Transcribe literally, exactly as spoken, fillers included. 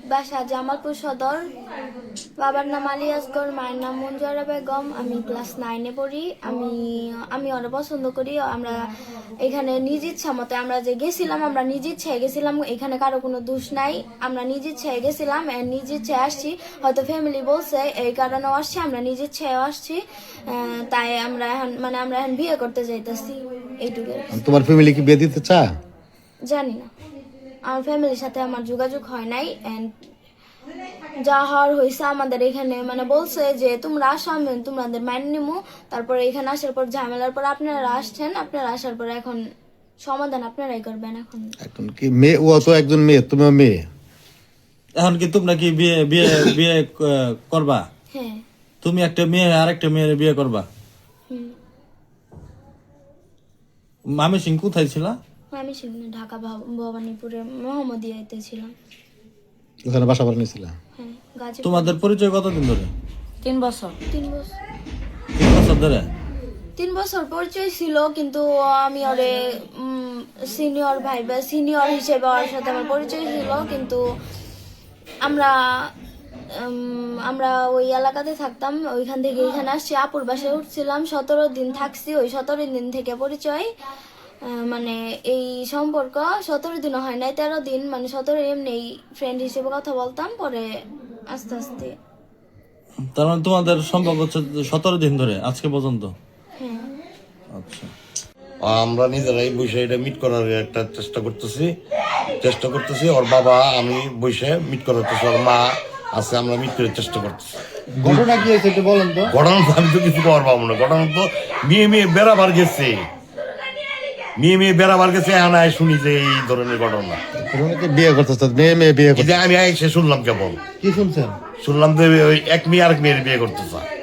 বাসা জামালপুর সদর। বাবার নাম আলী আসগর, মায়ের নাম মঞ্জুরা বেগম। আমি ক্লাস নাইনে পড়ি। আমি আমি অনেক পছন্দ করি। আমরা এখানে নিজ ইচ্ছা মতে আমরা যে গেছিলাম, আমরা নিজ ইচ্ছায় গেছিলাম। এখানে কারো কোনো দোষ নাই। আমরা নিজ ইচ্ছায় গেছিলাম, নিজ ইচ্ছায় আসছি। হয়তো ফ্যামিলি বলছে এই কারণেও আসছি, আমরা নিজ ইচ্ছায় আসছি। তাই আমরা এখন মানে আমরা এখন বিয়ে করতে যাইতেছি, এইটুকু। তোমার ফ্যামিলি কি বিয়ে দিতে চা? জানি না, আমার ফ্যামিলির সাথে আমার যোগাযোগ হয় নাই। এন্ড যা হওয়ার হয়েছে আমাদের এখানে মানে বলছে যে তোমরা আসো, আমি তোমাদের মাইন নিমু। তারপরে এখানে আসার পর ঝামেলার পর আপনারা আসছেন, আপনারা আসার পর এখন সমাধান আপনারাই করবেন। এখন এখন কি মেয়ে, ও তো একজন মেয়ে, তুমিও মেয়ে, এখন কি তোমরা কি বিয়ে বিয়ে বিয়ে আহ, করবা? হ্যাঁ। তুমি একটা মেয়ে আর একটা মেয়ের বিয়ে করবা? হুম। মামি সিং কোথায় ছিল? আমি সেখানে ঢাকা ভব- ভবানীপুরে মোহাম্মদিয়াতে ছিলাম। ওখানে বাসা বাড়ি নিয়েছিল। হ্যাঁ, গাজীপুর। তোমাদের পরিচয় কতদিন ধরে? তিন বছর। তিন বছর তিন বছর ধরে? তিন বছর পরিচয় ছিল, কিন্তু আমি ওরে সিনিয়র ভাই বা সিনিয়র হিসেবে ওর সাথে আমার পরিচয় ছিল। কিন্তু আমরা উম, আমরা ওই এলাকাতে থাকতাম, ওইখান থেকে এখানে আসছি, আপুর বাসায় উঠছিলাম, সতেরো দিন থাকছি। ওই সতেরো দিন থেকে পরিচয়, আহ, মানে এই সম্পর্ক সতেরো দিনও হয় নাই, তেরো দিন, মানে সতেরো এমনি ফ্রেন্ড হিসেবে কথা বলতাম। পরে আস্তে আস্তে। তার মানে তোমাদের সম্পর্ক হচ্ছে সতেরো দিন ধরে আজকে পর্যন্ত? হ্যাঁ। আচ্ছা। আমরা নিজেরাই বসে এটা মিট করার একটা চেষ্টা করতেছি চেষ্টা করতেছি ওর বাবা আমি বসে মিট করাতেছি, ওর মা আছে, আমরা মিট করার চেষ্টা করতেছি। ঘটনা কি হয়েছে একটু বলেন তো। ঘটনা তো আমি তো কিছু করার পাবো না। ঘটনা তো মেয়ে মেয়ে বেড়াবার গেছে, মেয়ে মেয়ে বেড়াবার গেছে, এখন আয় শুনি যে এই ধরনের ঘটনা। ঘটনাকে বিয়ে করতেছে, মেয়ে মেয়ে বিয়ে এই করতে যে আমি আয় সে শুনলাম কেবল, কি শুনছেন? শুনলাম যে ওই এক মেয়ে আরেক মেয়ের বিয়ে করতেছে।